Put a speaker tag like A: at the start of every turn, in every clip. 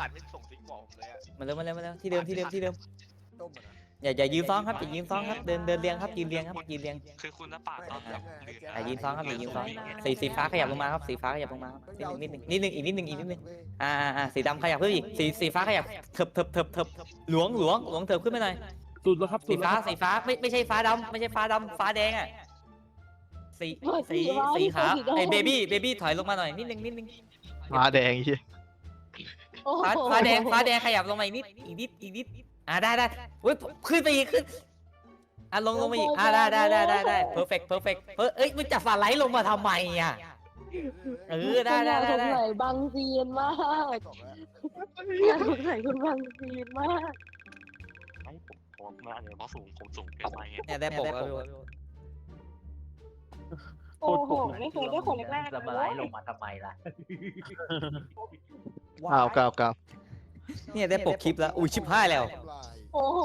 A: ไม่ส่งซิกบอกผมเลยอะ
B: มาเร็วที่เดิม
C: ต้มนะ
B: อย่ายืนซ้อนครับอย่ายืนซ้อนครับเดินเรียงครับยืนเรียงครับยืนเรียง
D: คือคุณน้าป่าตอนแบบ
B: อย่ายืนซ้อนครับอย่ายืนซ้อนสีฟ้าขยับลงมาครับสีฟ้าขยับลงมานิดนึงอีกนิดนึงสีดำขยับเพิ่มอีกสีฟ้าขยับเถิบหลวงเถิบขึ้นไปหน่อย
E: สุดแล้วครับ
B: สีฟ้าไม่ใช่ฟ้าดำไม่ใช่ฟ้าดำฟ้าแดงอ่ะสีขาวไอ้เบบี้ถอยลงมาหน่อยนิดนึง
F: มาแดงเฮีย
B: ฟ้าแดงขยับลงมาอีกนิดได้อุ้ยขึ้นไปอีกขึ้นลงมาอีกได้ perfect เอ้ยมึงจับสไลด์ลงมาทำไมอ่ะได้
G: สงสัยบางซีนมาก
C: บอกแล้ว
G: สงสัยคุณบางซีนมาก
D: ไม่ผมมาเนี่ยเพราะผมสูงเกินไปไง
B: เนี่ยได้ปกแล้ว
G: โอ้โหไม่เคยได้คนแรกๆ
H: จะมา
G: เล
H: ไล่
G: ย
H: ลงมาทำไมล่ะ
F: ก้าว
B: เนี่ยได้ปกคลิปแล้วอุ้ยชิบหายแล้ว
C: ทำลาย
G: โอ้โห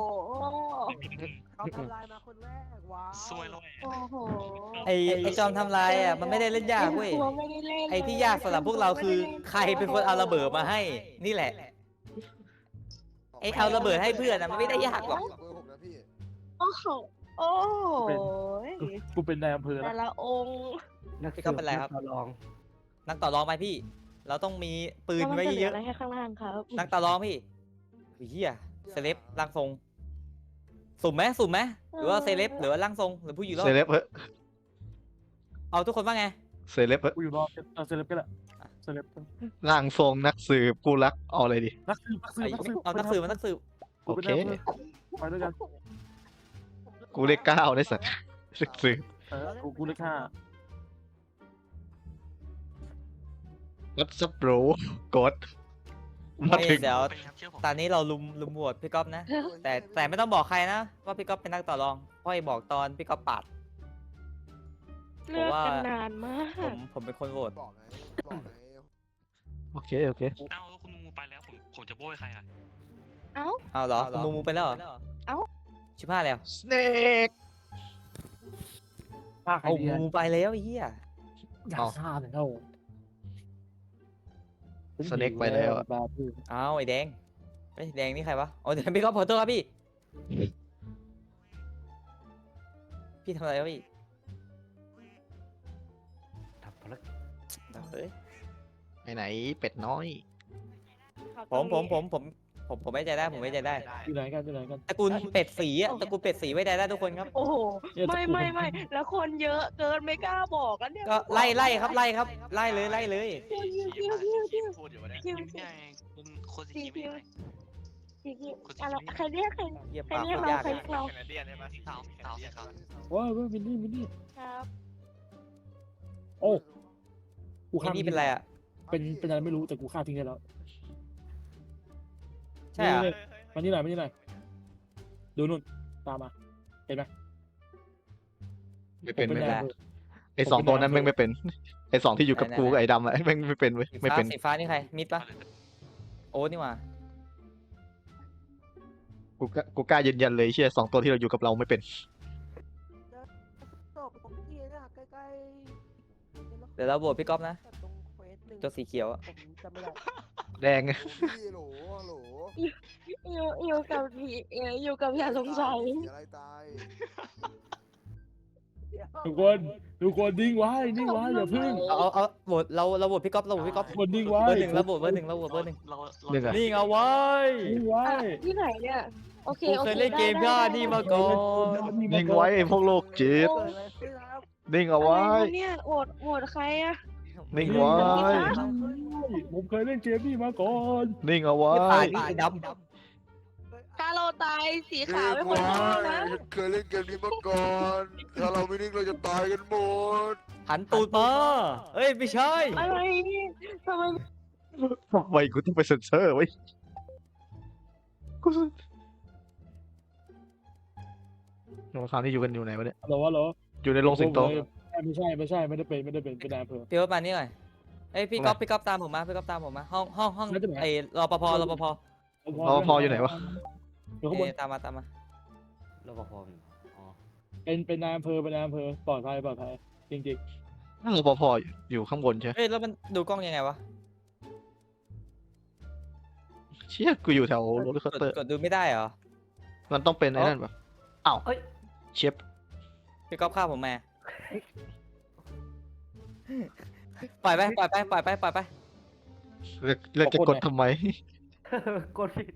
I: เขาทำลายมาคนแรกว้าว
D: ซวยเลย
G: โอ้โห
B: ไอจอมทำลายอ่ะมันไม่ได้เล่นยากเว้ย
G: ไม่ได้เล่น
B: ไอที่ยากสำหรับพวกเราคือใครเป็นคนเอาระเบิดมาให้นี่แหละไอเอาระเบิดให้เพื่อนมันไม่ได้ยากหรอก
C: เบอร์6นะพี่
G: โอ้โหโอ้โห
E: กูเป็นนายอำเภอ
G: แต่
E: นะ
G: ละองค์
B: พี่ก็เป็นไรครับ
H: ลอง
B: นักต่อรองไปพี่ เราต้องมีปืนไว้เยอะ
G: อะไรให้ข้างล่างครับ
B: นักต่อรองพี่เฮียเซเลบร่างทรงสุ่มไหมหรือว่าเซเลบหรือว่าร่างทรงหรือผู้อยู่รอด
F: เซเลบเฮ้ย
B: เอาทุกคนว่าไง
F: เซเลบเฮ้ย
E: กูอยู่รอเอาเซเลบก็ได้เซเลบ
F: ร่างทรงนักสืบผู้รักเอาอะไรดี
E: นักสืบ
B: เอานักสืบมานักสืบ
F: โอเค
E: ไปด้วยกัน
F: กูเลข9ได้สัตว์นักสืบ
E: กูเลข5
F: What's up bro กดมาถึง
B: เดี๋ยว
D: เป็นครับเชื่อผม
B: ตอนนี้เราลุมโหวตพี่ก๊อฟนะ แต่ไม่ต้องบอกใครนะว่าพี่ก๊อฟเป็นนักต่อรองเพราะไอ้บอกตอนพี่ก๊อฟปาด
G: เลือกกันนานมาก
B: ผมเป็นคนโหวต
C: บอกไง
F: โอเค
D: เอ้าแล้วคุณมูไปแล้วผมจะโบยใครอ่ะ
B: เอาเหรอคุณมูไปแล้วเหรอชิบห้าแล้ว
F: Snake
E: ฆ่าใคร
B: เอา
E: ดี
B: มูไปแล้วไอ้เหี้ย
E: อยากฆ่าเลยเท่า
F: Snake ไปแล้วอะ
B: เอาไอ้แดงไอ้แดงนี่ใครวะอ๋อเดี๋ยวพี่ก๊อฟขอโทษครับพี่ทำอะไรวะพี่
H: ทำภารกิจ
B: เฮ้ย
F: ไปไหนเป็ดน้อย
B: ผมไม่ใจได้ผมไม่ใจได้
E: อยู่ไหนกัน
B: ตระกูลเป็ดสีอะตระกูลเป็ดสีไว้ใจได้ทุกคนครับ
G: โอ้โหไม่แล้วคนเยอะเกินไม่กล้าบอกแล้วเนี่ย
B: ก็ไล่ครับไล่เลย
A: ที่พูดอยู่วะเนี่ย
D: ยิ้มได้คุณโคตรยิ้มได้
G: อะไรใครเรียกใคร
B: เยี่ยม
G: ใคร
B: ปาก
G: เรียก
B: โคตร
G: เรา
B: ยาก
G: ใคร
B: เลย
G: เรียกเรา
A: แคนาเดียนใช่ไหม
D: เต่าใช่ครับ
E: ว้าวมินนี่
G: ครับ
E: โอ้กู
B: ไอ้
E: ฆ่า
B: นี่เป็นอะไรอ่ะ
E: เป็นอะไรไม่รู้แต่กูฆ่าทิ้งได้แล้ว
B: ใช่เหรอ
E: มานี่หน่อยดูนู่นตามมาเห็นไหม
F: ไม่เป็น
E: ผม
F: ไม่
E: นาย
F: เป็น
E: อำเภอ
F: ไอ้สองตัวนั้นแม่งไม่เป็นไอ้สองที่อยู่กับกูกับไอ้ดำอะแม่งไม่เป็นเว้ยไม่เป็น
B: สีฟ้านี่ใครมิดปะโอ้นี่หว่า
F: กูกล้ายืนยันเลยเชี่ยสองตัวที่เราอยู่กับเราไม่เป็น
I: ศพของพี่นะใกล้
B: เดี๋ยวเราโหวตพี่ก๊อฟนะ
I: ๆตรงเควสหนึ่ง
B: ตัวสีเขียวอะ
I: ผมจำไม่ได้
F: แดง
C: พี่โหล
G: อยู่กับพี่อยู่กับอย่าสงสัย
C: อะไรตาย
E: ทุกคนนิ่งไว้อย่าพึ่ง
B: เอาโหวตเราโหวตพี่ก๊อฟ
E: คนนิ่งไว้
B: เบอร์หนึ่งเราโหวตเบอร์หนึ่ง
D: เรา
B: นี่เอาไว้
E: นิ่งไว้
G: ที่ไหนเนี่ยโอเค
B: ผมเคยเล่นเกมย่านี่มาก่อน
F: นิ่งไว้ไอ้พวกโลกจิต
I: เกิดอะไรขึ้นครับ
F: นิ่งเอา
G: อะไร
F: ไว้
G: วะเนี่ยโหวตใครอะ
F: นิ่งไว้
E: ผมเคยเล่นเกมนี้มาก่อน
F: นิ่งเอาไว้
B: ไม่ผ่านนี่ด
G: ถ้าเราตายสีขาวเป็นคนทำนะ
C: เคยเล่นเกมนี้มาก่อน ถ้าเราไม่นิ่งเราจะตายกันหมด
B: ำหันตูดมาเอ้ยไม่ใช่
G: อะไรเนี่ยทำไม
F: ทำไมกูต้องไปเซ็นเซอร์ไว้กูโน้ตคราวนี้อยู่กันอยู่ไหนวะเนี่ย
E: เหรอ
F: อยู่ในโรงสิงโต
E: ไม่ใช่ไม่ได้เป็นนายอำเภอ
B: พี่ก๊อฟมานี่หน่อยเอ้ยพี่ก๊อฟตามผมมาห้อง
E: แล้วจะไหน
B: ไอ้รปภ
F: พออยู่ไหนวะ
E: อยู่ข้างบน
B: ตามมา
H: รปภอ๋อ
E: เป็นนายอำเภอปลอดภัยจริง
F: รปภอยู่ข้างบนใช่ไหม
B: เอ้ยแล้วมันดูกล้องยังไงวะ
F: เชี่ยกูอยู่แถวโรลเลอร์คอสเตอร์
B: กดดูไม่ได้เหรอ
F: มันต้องเป็นไอ้นั่นปะอ้าว
H: เอ้ย
F: เชฟ
B: พี่ก๊อฟฆ่าผมมาปล่อยไปปล่อยไปปล่อยไปปล่อยไป
F: เราจะกดทำไม
H: กดผิด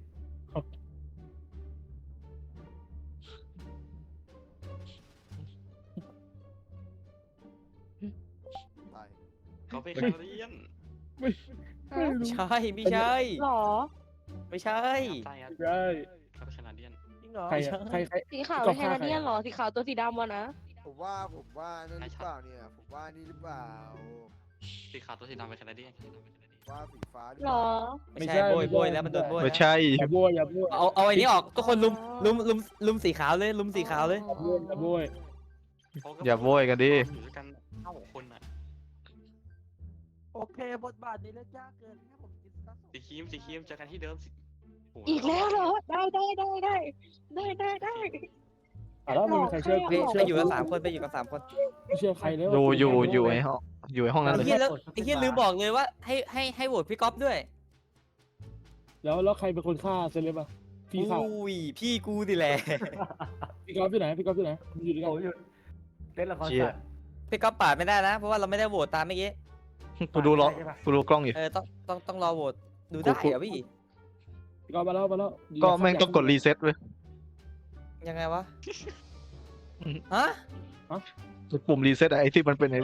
C: ตาย
D: เขาเป็นแคนาเดียน
B: ใช่ไม่ใช่
G: หรอ
B: ไม่ใช่
D: ใช่ครับ
E: ใช่
D: เขาเป็นแคนาเดียน
I: จริงเหรอ
E: ใครอะใครใคร
G: สีขาวเป็นแคนาเดียนเหรอ สีขาวตัวสีดำวะนะ
C: ผมว่านั่นหรือเปล่าเนี่ยผมว่านี่หรือเปล่า
D: สีขาวตัวสีดำเป็นแคนาเดียน
C: ว่าสีฟ้าหรือ
G: หร
C: เปล่า
G: อ
B: ไม่ใช่โบยโบยแล้วมันโดนโบย
F: ไม่
B: แล้ว
F: ใช่
E: อย่าโบยอย่าโบย
B: เอาไอ้นี้ออกทุกคนลุมสีขาวเลยลุมสีขาวเลย
E: อย่าโบยอย่าโบย
F: อย่าโวยกันดิ
D: อยู่ด้วยกัน9 คนอ่ะ
I: โอเคบทบาทนี้เล่นยากเกินให้ผมคิดซะ
D: สีครีมเจอกันที่เดิมสิโโ
G: อีกแล้วเหรอ ได้ได้ได้ได้ได้ได้ได้
E: อ่ะแล้วมึงใครเชื่อ
B: ไป
E: กู
B: ไป
E: เชื่อ
B: อยู่กัน3 คนไปอยู่กัน3 คน
E: ไม่เชื่อใครเลย
F: อยู่ไอ้ห้องอยู่ไอ้ห้องนั้น
B: ไอ้
F: เลย
B: เหี้ยแล้วไอ้เหี้ยลืมบอกเลยว่าให้โหวตพี่ก๊อฟด้วย
E: แล้วใครเป็นคนฆ่าเซเลบอ่ะพี่ฆ่า
B: อุ้ยพี่กูดิแหละ
E: พี่กอล์ฟที่ไหนพี่กอล์ฟที่ไหนมึงอยู่ด้วยกัน
H: โอ้ยหยุดเล่นละคร
F: เชี่ย
H: สัตว์
B: พี่ก๊อฟปาดไม่ได้นะเพราะว่าเราไม่ได้โหวตตามเมื่อกี้
F: กูดูล้อกูดูกล้องอยู่
B: ต้องรอโหวตดูได้เหรอพี่
E: พี่กอล์ฟมาแล้ว
F: ก็แม่งต้องกดรีเซ็ตเว้ย
B: ยังไงวะฮะ
F: ปุ่มรีเซ็ตไอ้ที่มันเป็นไอ้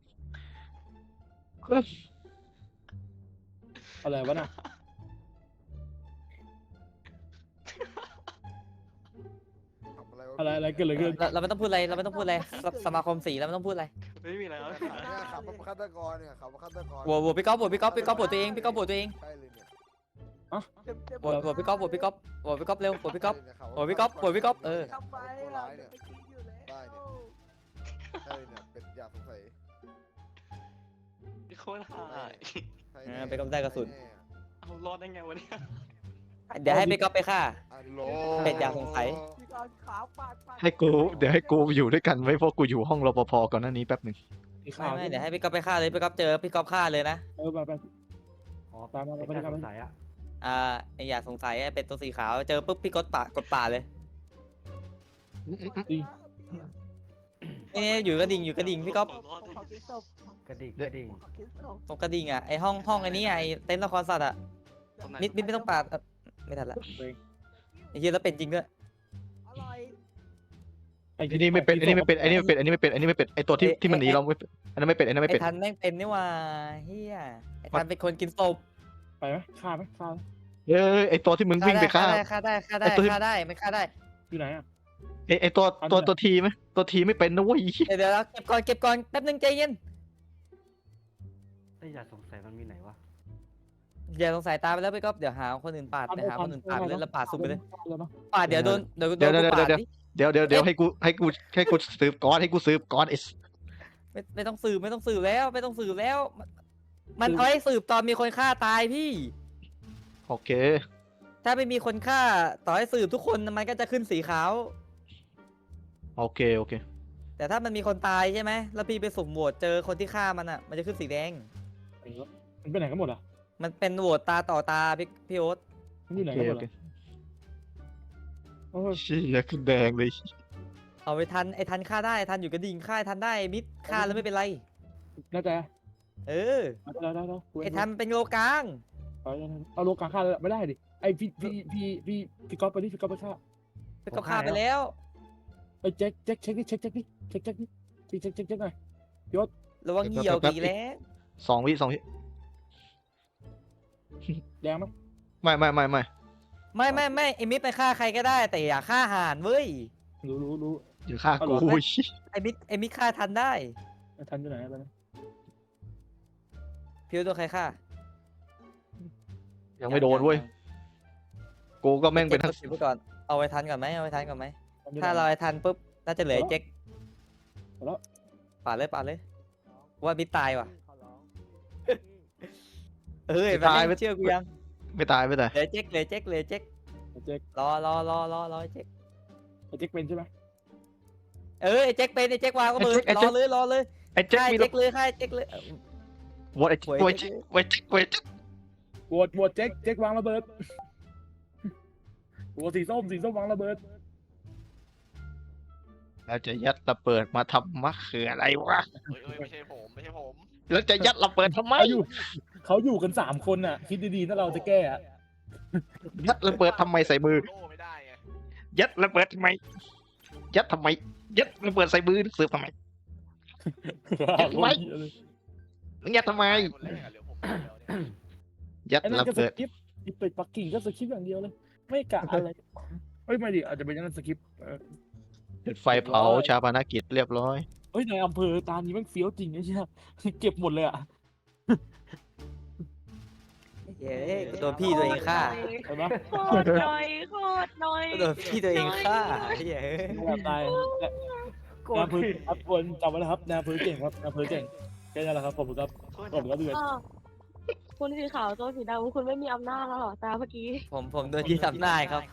E: อะไรวะน่ะ
C: ทำอะไรวะ
E: อะไรเกิดอะไรขึ้น
B: เราไม่ต้องพูดอะไรเราไม่ต้องพูดอะไรสมาคมสีเราไม่ต้องพูดอะไร
D: ไม่มีอะไรแล้ว
C: เนี่ยขับมาฆาตกรเนี่ยขับมาฆาตกร
B: โหวตพี่ก๊อฟโหวตพี่ก๊อฟโหวตตัวเองพี่ก๊อฟโหวตตัวเอง
C: ใช่เลยเนี่ย
B: โหวตพี่ก๊อฟโหวตพี่ก๊อฟโหวตพี่ก๊อฟเร็วโหวตพี่ก๊อฟ โหวตพี่ก๊อฟโหวตพี่ก๊อฟเออ
I: ทำไปอ่ะจะไปกินอยู่แล้ว
C: ได้เนี่ยใช่เนี่ยเป็นอยากสงสัย
D: โคตรหาย
C: ใช่
B: เอ
C: แน่
B: อไปก๊อฟได้กระสุน
C: ใช่แน่
D: เอารอดได้ไงวะเนี่ย
B: เดี๋ยวให้พี่ก๊อฟไปฆ่า
C: อัลโหล
B: เป็ดอยากสงสัย
I: พี่กอล์ฟขาวปาด
F: ให้กูเดี๋ยวให้กูอยู่ด้วยกันไว้เพราะกูอยู่ห้องรปภก่อนหน้านี้แป๊บหนึ่ง
E: พี่
B: ไม่
E: ข่าว
B: ไม่เดี๋ยวให้พี่ก๊อฟไปฆ่าเลยพี่ก๊อฟเจอพี่ก๊อฟฆ่าเลยนะ
E: ไป
H: อ๋อ
E: ตามมา
H: ไม่
E: ไป
H: ได้
E: ทำ
H: ส
E: ไป
H: งสัยอ่ะ
B: ไออย่าสงสัยเป็นตัวสีขาวเจอปุ๊บพี่ก๊อฟกดป่าเลย
E: จริง
B: นี่อยู่กระดิ่งพี่ก๊อฟ
I: ขอคิดศพ
H: กระดิ่ง
I: ขอคิดศพ
B: ตรงกระดิ่งอ่ะไอห้องไอ้นี่ไอเต็นท์ละครสัตว์อ่ะ
D: ตรงไหน
B: มิดไม่ต้องปาดไม่ทันละ
E: เอง
B: ไอ้เหี้ยแล้วเป็นจริงด้วย
I: อร่อย
F: ไอ้นี่ไม่เป็นไอ้นี่ไม่เป็นไอ้นี่ไม่เป็นไอ้นี่ไม่เป็นไอ้นี่ไม่เป็นไอ้ตัวที่มันหนีเราไม่เป็นอันนั้นไม่เป็นอันนั้นไม่
B: ไอ
F: เป็น
B: ทันแม่งเป็นนี่ว่าเฮียไอทันเป็นคนกินศพ
E: ไปไหมฆ่าไหมฆ่า
F: เฮ้ยไอ้ตัวที่มึงวิ่งไปฆ่า
B: ฆ่าได้
F: ไอ้ตัวที่
B: ฆ่าได้ไม่ฆ่าได้
E: อยู่ไหนอ่ะ
F: ไอ้ตัวทีไหมตัวทีไม่เป็นนะเว้ย
B: เดี๋ยวเก็บก่อนแป๊บนึงใจเย็น
H: ไอ้ยอย่าสงสัยมันมีไหนวะ
B: อย่าสงสัยตามไปแล้วพี่ก๊อฟเดี๋ยวหาคนอื่นปาดไปหาคนอื่นปาดไปเลยแล้วปาดซุ่มไปเลย
E: แล้วเนาะ
B: ปาดเดี๋ยวโดนกูปาดดิ
F: เดี๋ยวให้กูสืบก่อนให้กูสืบก่อนไอ้
B: ไม่ต้องสืบแล้วมันเอาให้สืบตอนมีคนฆ่าตายพี่
F: โอเค
B: ถ้าไม่มีคนฆ่าต่อให้สืบทุกคนมันก็จะขึ้นสีขาว
F: โอเค
B: แต่ถ้ามันมีคนตายใช่ไหมแล้วพี่ไปสุ่มโหวตเจอคนที่ฆ่ามันอ่ะมันจะขึ้นสีแดง
E: มันไปไหนกันหมดอ่ะ
B: มันเป็นโหวตตาต่อตาพี่โอ๊ต
E: มันอยู่ไหน
F: โอ
E: กันหมด
F: เค
E: อ่ะโอ้ย
F: เชี่ยขึ้นแดงเลย
B: เอาไปทันไอ้ทันฆ่าได้ไอ้ทันอยู่กระดิ่งฆ่าไอ้ทันได้มิดฆ่าแล้วไม่เป็นไร
E: น่าจะ
B: เออ
E: ได้
B: ไอ้ทันเป็นโลกลาง
E: เอาโลกาฆ่าเลยไม่ได้ดิไอพี่ก๊อฟไปดิพี่ก๊อฟไปฆ่า
B: ไปก็ฆ่าไปแล้ว
E: ไอเช็คดิเช็คหน่อย
B: ระวังเหี่ยวกี่แล้ว
F: 2 วิ
E: แดงไหม
F: ไม่
B: ไม่ไอ้มิดไปฆ่าใครก็ได้ แต่อย่าฆ่าห่านเว้ย
E: รู้
F: อย่าฆ่ากู
B: ไอ้มิดฆ่าทันได้
E: ทันอยู่ไหนไปนะ
B: พี่โอ๊ตโดนใครฆ่า
F: ยังไม่โดนเว้ยกูก็แม่งเป็นทั้ง
B: ก็บไว้ก่อนเอาไว้ทันก่อนไหมถ้าเราไอ้ทันปุ๊บน่าจะเหลือไอ้เจ๊กปาดเลยว่ามิดตายว่ะ
I: ขอร้อง
B: เอ้ยมันไม่เชื่อกูยัง
F: ไม่ตาย
B: เหลือเจ๊ก
E: เช็ค
B: รอไอ้เจ๊ก
E: ไอเช็คเป็นใช่ไหม
B: ไอ้เจ๊กเป็นไอ้เจ๊กวางก็เบิร์รอเลย
F: ไอ้เจ๊ก
B: ฆ่า
F: มี
B: เจ๊กเลยฆ่าเจ๊กเลย
F: วอดไอ้เจ๊ก
E: โหวตเช็ควางระเบิดตัวสีส้มวางระเบิด
F: แล้วจะยัดระเบิดมาทำมะเขืออะไรวะ
A: เอ้ยไม่ใช่ผมไม่ใช่ผม
F: แล้วจะยัดระเบิดทำไม
E: เขาอยู่กัน3 คนน่ะ คิดดีๆถ้าเราจะแก้อะ
F: ยัดระเบิดทำไมใส่มือ
A: โล่ไม่ได้ไง
F: ยัดระเบิดทำไม ยัดทำไม ยัดระเบิดใส่มือเสือทำไม ยัดไว้ ยัดทำไม
A: คนแรกอะเหลือผมคนเดียวเนี่ย
F: ยัด
E: ไอ้นั่น
F: ระ
E: ก็ส
F: เบิด
E: คริปต์อีเป็ดปักกิ่งก็สคริปต์อย่างเดียวเลย ไม่กะอะไรเฮ้ยไม่ดิอาจจะเป็นอย่างนั้นสคริปต์
F: จุดไฟเผาชาปนกิจเรียบร้อย
E: เฮ้ยในอำเภอตานี้แมันเฟี้ยวจริงไอ้เชี่ยเก็บหมดเลยอ่ะ
B: เย้โดนพี่ตัวเองฆ่า
E: เห็นไหม
G: โคตรหน่อยโคตรหน่อย
B: โดนพี่ตัวเองฆ่าเย้
E: แบบตายนายอำเภอครับคนจำไว้นะครับนายอำเภอเก่งครับนายอำเภอเก่งแค่นั้นแหละครับผมครับผมก็เดือด
G: อ้าวคุณสีขาวตัวสีดำคุณไม่มีอำนาจแล้วเหรอตาเมื่อกี้
B: ผมโดนยึดอำนาจครับ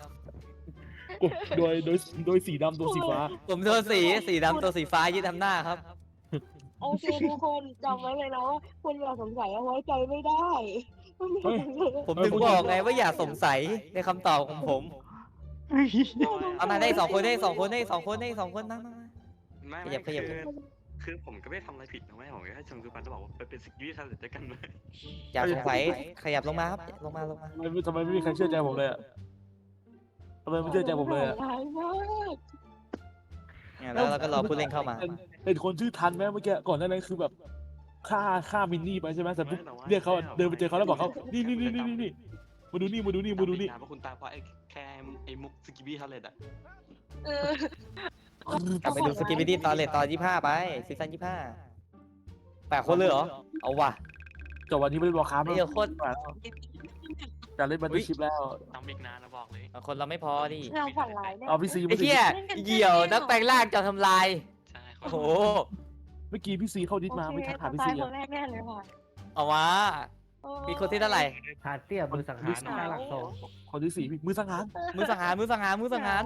E: โดยสีดำตัวสีฟ้า
B: ผมโดนสีดำตัวสีฟ้ายึดอำนาจครับ
G: โอเคทุกคนจำไว้เลยนะว่าคุณอย่าสงสัยเอาไว้ใจไม่ได้
B: ผมถึงบอกไงว่าอย่าสงสัยในคำตอบของผมเอามาได้สองคนได้สองคนได้สองคนได้สองคนนะ
D: ไม่
B: ขยับขยับ
D: คือผมก็ไม่ได้ทำอะไรผิดนะแม่ผมแค่ชมคือปันจะบอกว่าไปเป็นสิ่งที่ทำเสร็จด้วยกันไหม
B: อย่าสงสัยขยับลงมาครับลงมา
E: ทำไมไม่มีใครเชื่อใจผมเลยอ่ะทำไมไม่เชื่อใจผมเลยอ่ะ
G: ร้ายมาก
B: แล้วเราก็รอผู้เล่นเข้ามา
E: เห็นคนชื่อทันไหมเมื่อกี้ก่อนหน้านั้นคือแบบฆ่ามินนี่ไปใช่ไหมแต่ปุ๊บเรียกเขาเดินไปเจอเขาแล้วบอกเขานี่มาดูนี่
D: เพราะคุณตาเพราะไอ้แค่ไอ้มุกสกิบี้ทาเลตอ่ะ
G: เออก
B: ลับไปดูสกิปปี้ตอนเลทตอน25ไปซีซั่น25 8 คนเลยเหรอเอาว่ะ
E: จบวันนี้ไม่ได้บอกค้า
B: ไม่
E: ไม่
B: เยอะโคตร
E: จะเล่นบันทึกคลิปแล้ว
D: ทำอีกนานนะบอกเลย
B: คนเราไม่พอดิ
G: เราฝันร้ายแน่
E: เอาพี่ซี
B: ไอ้เหี้ยเหี่ยวนักแปลงร่างจะทำลาย
D: ใช่
B: โอ้โห
E: เมื่อกี้พี่ซีเข้าดิสมาไม่ทักหาพี่
G: ตา
E: ซี
G: ยคนแรกแน่เลยค่ะ
B: เอามามีคนที่เท่าไหร่
H: หาเตี้ยมือสังหารหน้าหลักโซ
E: คนที่4มือสังหาร
B: มือสังหาร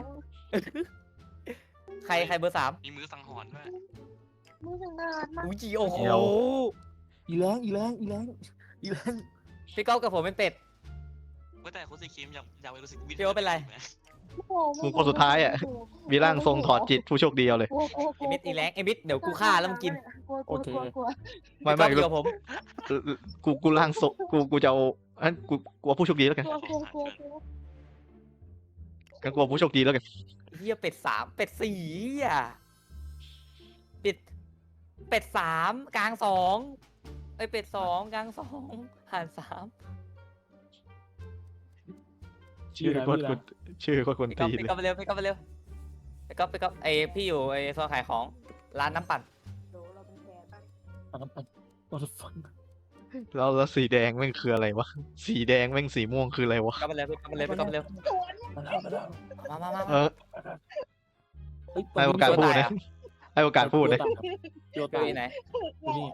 B: ใครเบอร์ 3
D: มีมือสังหรณ์ด้วย
G: มือสังหารมาก
B: อุ้ยโอ้โห
E: อีแรง
B: พี่ก๊อฟกับผมเป็นเป็ด
D: ว่าแต่คุณสีครีมอยากไปรู้สึกวิ
B: พี่โอ๊ตเป็นไร
F: กูคนสุดท้ายอ่ะ มีร่างทรงถอดจิตผู้โชคดีเอาเลย
B: ไอ้มิดอีแรงไอ้มิดเดี๋ยวกูฆ่าแล้วมึงกิน
E: โอเค
F: ไม่
B: พี่ก๊อฟอยู่กับผม
F: กูร่างทรงกูจะเอาอันกูเอาผู้โชคดีแล้วกัน กันกูเอาผู้โชคดีแล้วกัน
B: เฮียเป็ด 3เป็ด4อ่ะเป็ด3กลาง2ไอ้เป็ด2กลาง2หาร3
F: ชื่อโคตรคน
B: พี่ก๊อ
F: ตี
B: ฟ
F: เลย
B: ไปเร็วพี่ก๊อฟไอพี่อยู่ไอโซนขายของร้านน้ำปั่น
E: What the fuck
F: แล้วสีแดงแม่งคืออะไรวะ สีแดงแม่งสีม่วงคืออะไรวะ
B: ก็ไปเร็วมา
F: เออ ให้โอกาสพูดนะ ให้โอกาสพูดนะ
E: โย
B: อ
E: ตา
B: ยู่ไหน
E: นี่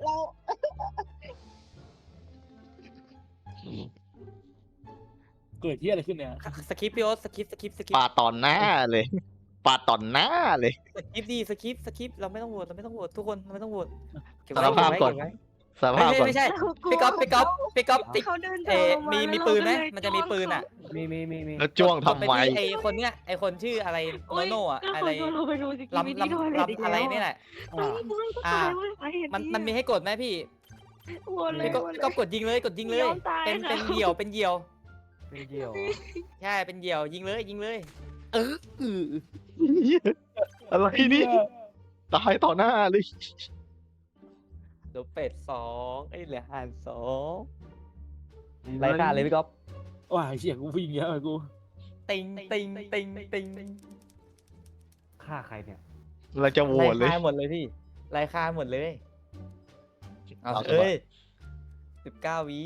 E: เกิดที่อะไรขึ้นเนี่ย
B: สคริปต์พี่โอ๊ตสคริปต์
F: ปาดต่อหน้าเลยปาดต่อหน้าเลย
B: สคริปต์ดีสคริปต์เราไม่ต้องโหวตทุกคนเราไม่ต้องโหวต
F: สารภาพก่อน สภาพก่อน
B: ไม่ใช่พี่ก๊อฟติด
G: เขาเดิน
B: มีปืนไหมมันจะมีปืนอ่ะ
H: มี
F: แล้วจ้วงทำไม
B: ไอคนเนี้ยไอคนชื่ออะไรโนโน่อะอะไร
G: เราไปดูสิ
B: ลำอะไรนี่แหละ มันมีให้กดไหมพี่ พี่ก็กดยิงเลยเป็นเหยี่ยว
H: เป็นเดียว
B: ใช่เป็นเหยี่ยวยิงเลย
F: อะไรนี่ตายต่อหน้าเลย
B: เดี๋ยวเป็ด2ไอ้เหลือห่าน2ไรค่าเลยพี่ก๊อฟ
E: ว้ายเชี่ยกูวิ่งเยอะเลยกู
B: ติง
H: ฆ่าใครเนี่ย
F: เราจะโหวตเลย
B: ไล่ฆ่าหมดเลยพี่ไล่ฆ่าหมดเลยเอา
F: เอา
B: เอ้ย19 วิ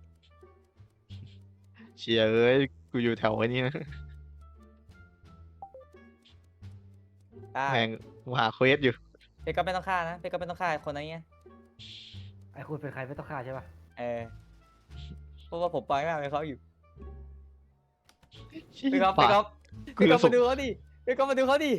F: เชียเอ้ยกูอยู่แถวไอ้นี้นะ
B: ได้
F: แม่งกูหาเควสอยู่
B: พี่ก๊อฟไม่ต้องฆ่านะพี่ก๊อฟไม่ต้องฆ่าคนนั้นเงี้ย
H: ไอ้คุณเป็นใครไม่ต้องฆ่าใช่ป่ะ
B: เพราะว่าผมปล่อยแม่ให้เขาอยู่
F: ชี้
B: พี่ก๊อฟ
F: ปาด
B: พี่ก๊อฟมาดูเขาดิพี่ก๊อฟมาดูเขาดิ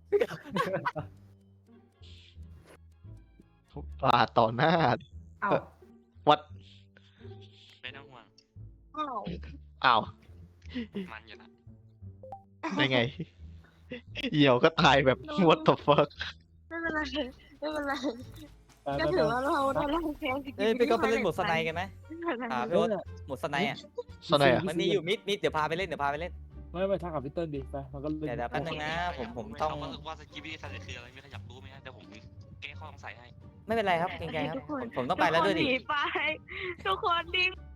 F: ปาดต่อหน้า
H: เอ้า
F: วัด
D: ไม่ต้องห่วง
G: อ้าว
F: อ้าว
D: มันอยู่นะ
F: ได้ไงเหี่ยวก็ตายแบบ what the fuck
G: ไม่เป็นไรไม่เป็นไร
E: ไป
G: ก็
E: ไป
G: ถือ
E: ไป
G: ว่าเราได้รับแพ้
B: เอ้ยพี่ก็ไปเล่นโหมดสไนกันไหมพี่โอ๊ตโหมดสไนอ่ะ
F: สไนอ่ะ
B: มันมีอยู่มิดเดี๋ยวพาไปเล่น
E: ไม่ทักกับพี่เติ้ลดิไปมันก็เล่น
B: เดี๋ยวแป๊บนึงนะผมต้อง
D: ถามว่าสกิปปี้ทันคืออะไรมีใครอยากรู้ไหมฮะเดี๋ยวผมแก้ข้อสงสัยให้
B: ไม่เป็นไรครับเกรงใจครับผมต้องไปแล้วด้วยดิ
G: ทุกคนหนีไปทุกคนดิ้ง